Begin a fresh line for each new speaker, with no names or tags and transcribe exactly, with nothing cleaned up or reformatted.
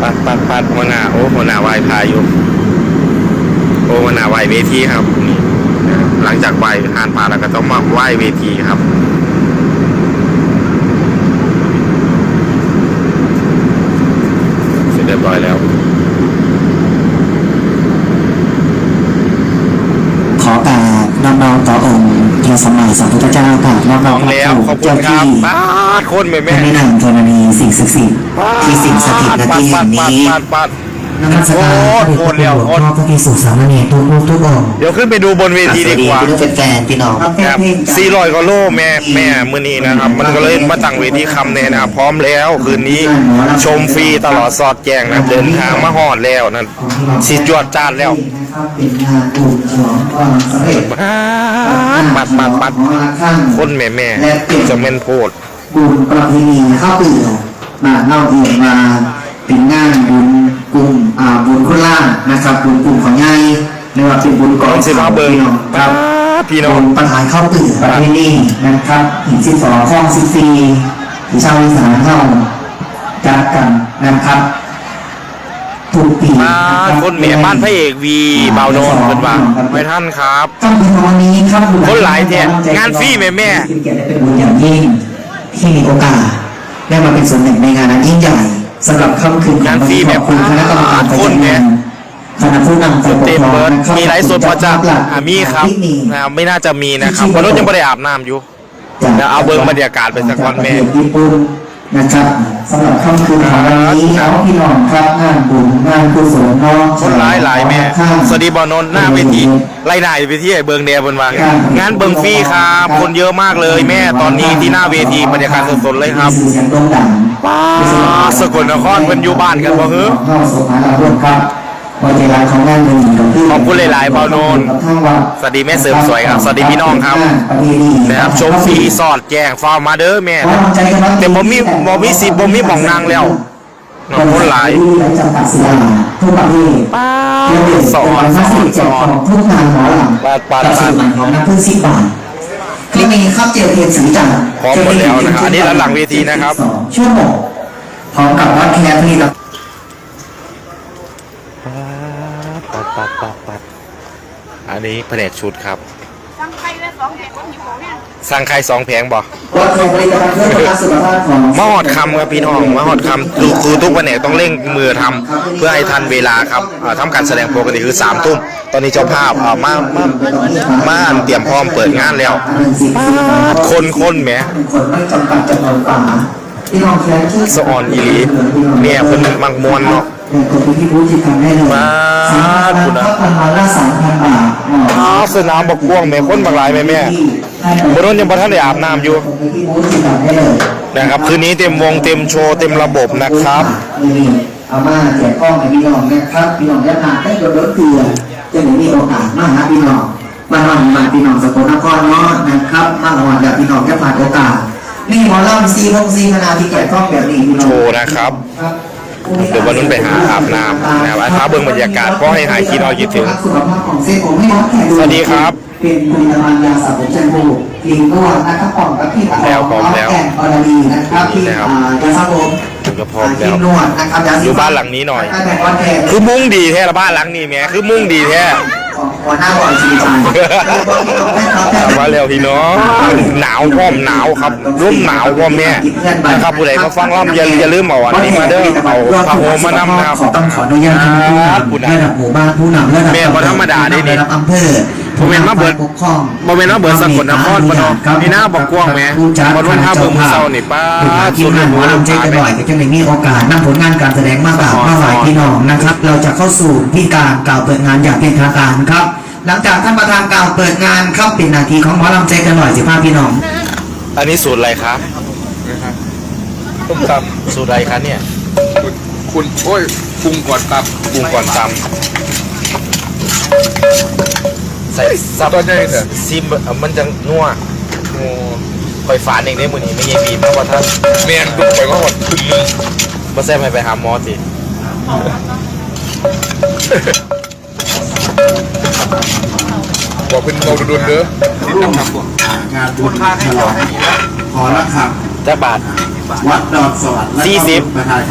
ปัดปัดปัดหัวหน้าโอ้หัวหน้าไหวพายุโอ้หัวหน้าไหวเวทีครับนี่หลังจากไหวหานพาแล้วก็ต้องมาไหวเวทีครับเสร็จเรียบร้อยแล้ว
ขอกราบน้องๆต่อองค์พระสัมมาสัมพุทธเจ้าค่ะน้องๆ
แล้วขอบคุณครับป้าคนแม่แม่
ในนามธรณีสิ่งศักดิ์สิทธิ์ที่สิ่งสถิตณที่แห่งนี้นมัสการพระเดชพระคุณหลวงพ่อพระภิกษุสามเณรทุกรูปทุกองค์
เดี๋ยวขึ้นไปดูบนเวทีดีกว่า
พี่แฟนพี่น้อง
ครับสี่ร้อยกว่าโลแม่แม่มือนี้นะครับมันก็เลยมาตั้งเวทีคำเนี่ยนะครับพร้อมแล้วคืนนี้ชมฟรีตลอดสอดแจงนะเดินทางมาฮอดแล้วนั่นสิจวดจานแล้ว
เป็นงานบุญฉลองความสำเร็จ
ปัดปัดปัดคนแม่แม่จะเม่นโพด
บุญประเพณีข้าวเปลือกมาเล่าเองมาเป็นงานบุญกลุ่มอ่าบุญคนล่างนะครับบุญกลุ่มของยายเรียกว่าเป็นบุญกอง
สิบห้าเบิร์นครับพี่น้อง
ปัญหาข้าวเปลือกประเพณีนะครับหินสิบสองข้องสิบสี่ที่ชาวอีสานเข้าจัดกันนะครับทุกปี
คนเมียบ้านพระเอกวีเบาโนนเป็นว่าไม่ท่านครับคนหลายแท้งานฟรีแม่แม่
เป็นเกียรติเป็นบุญอย่างยิ่งที่มีโอกาสได้มาเป็นส่วนหนึ่งในงานนั้นยิ่งใหญ่สำหรับค่ำคืน
งานฟรีแบบ
คุณคณะกรรมการ
คนแม่
คณะผู้นำฝ่ายปกครอง
มีไลฟ์สดพอจะมีครับไม่น่าจะมีนะครับเพราะรถยังไม่ได้อาบน้ำอยู่แล้วเอาเบิ้งบรรยากาศไปสักวันแม่
นะครับสำหรับค่ำคืนของวันนี้น้องพี่น้องครับงานบุญงานกุศลน้อง
คนหลายหลายแม่สวัสดีบอลนนหน้าเวทีไล่หน้าไปที่ไอ้เบิงแดงบนวางงานเบิงฟรีครับคนเยอะมากเลยแม่ตอนนี้ที่หน้าเวทีบรรยากาศสดๆเลยครับว้าสกลนครเป็นอยู่บ้านกันบ่เฮ้อขอบคุณหลายๆเบาโนนสวัสดีแม่เสริมสวยครับสวัสดีพี่น้องครับนะครับชมฟรีสอดแจ้งฟาร์มมาเด้อแม่แต่บ่มีบ่มีสิบ่มีหม่องนางแล้วน้องคนหลายป้าสอนสอนสอน
ทุกงานหมอลำ
ปาดปาดปาด
ของน้ำพึ่งสิบบาทคลิปนี้ครับเจลเทียนสีจันทร์
พร้อมหมดแล้วนะครับอันนี้หลังเวทีนะครับ
ชั่วโมงพร้อมกับวัดแคร์ที่เรา
ปัดปัดปัดปัดอันนี้แผนกชุดครับสั่งไข่สองแผงสั่งไข่สองแผงบ่มาหอดคำครับพี่น้องมาหอดคำคือคือทุกแผนกต้องเร่งมือทำเพื่อให้ทันเวลาครับทำการแสดงปกติคือสามทุ่มตอนนี้เจ้าภาพมามามาเตรียมพร้อมเปิดงานแล้วคนคนแหมสะออนอีหลีเนี่ยคนมักมวนเนาะมาคุณนะอ้าวสนามบักกวงแม่คนบางหลายแม่แม่บนรถยังบนท่านได้อาบน้ำอยู่นะครับคืนนี้เต็มวงเต็มโชว์เต็มระบบนะครับ
เอามาแจกกล้องให้พี่น้องนะครับพี่น้องจะผ่านได้โดนรถเกลือจะได้มีโอกาสมาหาพี่น้องมาหอนมาพี่น้องสกลนครเนาะนะครับมาหอนแบบพี่น้องจะผ่านโอกาสนี่หมอลำซีพงซีคณะที่แจกกล้องแบบนี้พี่น้อง
โชว์นะครับเดี๋ยววันนู้นไปหาอาบน้ำนะครับท้าเบื้องบรรยากาศก็ให้หายคิดเอาคิดถึงสวัสดีครับ
เป็นผลิตภัณฑ์ยาสระผมแชมพูครีมนวดนะครับปองกับพี่ตา
แล้วพร้อมแล้ว
แอนออร์ดีนะครับที่ยาสระผม
ถึงก็พร้อมแล้ว
นวดนะครับ
อยู่บ้านหลังนี้หน่อยคือมุ่งดีแท้ละบ้านหลังนี้แม่คือมุ่งดีแท้
หัวหน้าบอยชีจัน
มาแล้วพี่น้องหนาวพร้อมหนาวครับร่มหนาวพร้อมแม่นะครับผู้ใดมาฟังร่ำอย่าอย่าลืมเอาอันนี้มาเด้อเอาผ้าห่มมานำนะครับ
ต้องขออนุญาตผู้นำระดับหมู่บ้านผู้นำระดับ
แม่พอธรรมดาได้นี่
อำเภอ
โมเมนต์มาเบิร์ดโมเมนต์มาเบิร์ดสกลนครปนนี่หน้าบอกกว้างแม่พอรุ่นห้าเบิ่งมือเศร้านี่ป้า
สุดหัวลำใจกันหน่อยก็จะไม่มีโอกาสนำผลงานการแสดงมากกว่ามาหลายพี่น้องนะครับเราจะเข้าสู่พิธีการกล่าวเปิดงานอย่างเป็นทางการครับหลังจากท่านประธานกล่าวเปิดงานเข้าเป็นนาทีของหมอลำใจกันหน่อยสิพ่อพี่น้อง
อันนี้สูตรอะไรครับต้มตำสูตรอะไรครับเนี่ย
คุณโอ้ยปรุงก่อนต
ำปรุงก่อนตำใส่ซับ
ก็ได้เถอะ
ซิมมันจะนัวโอ้คอยฝานเองได้มือนี้ไม่ยังบีบมากกว่าท่าน
เมียนดูไปก็หดขึ้นเลย
มาแซ่บไปหาหมอสิ
บอกเป็นเราดุนเด้อที่ทำทำตัว
งานบุญฉลองขอละครับ
จะบาท
วัดดอนสวรรค์
สี่สิบ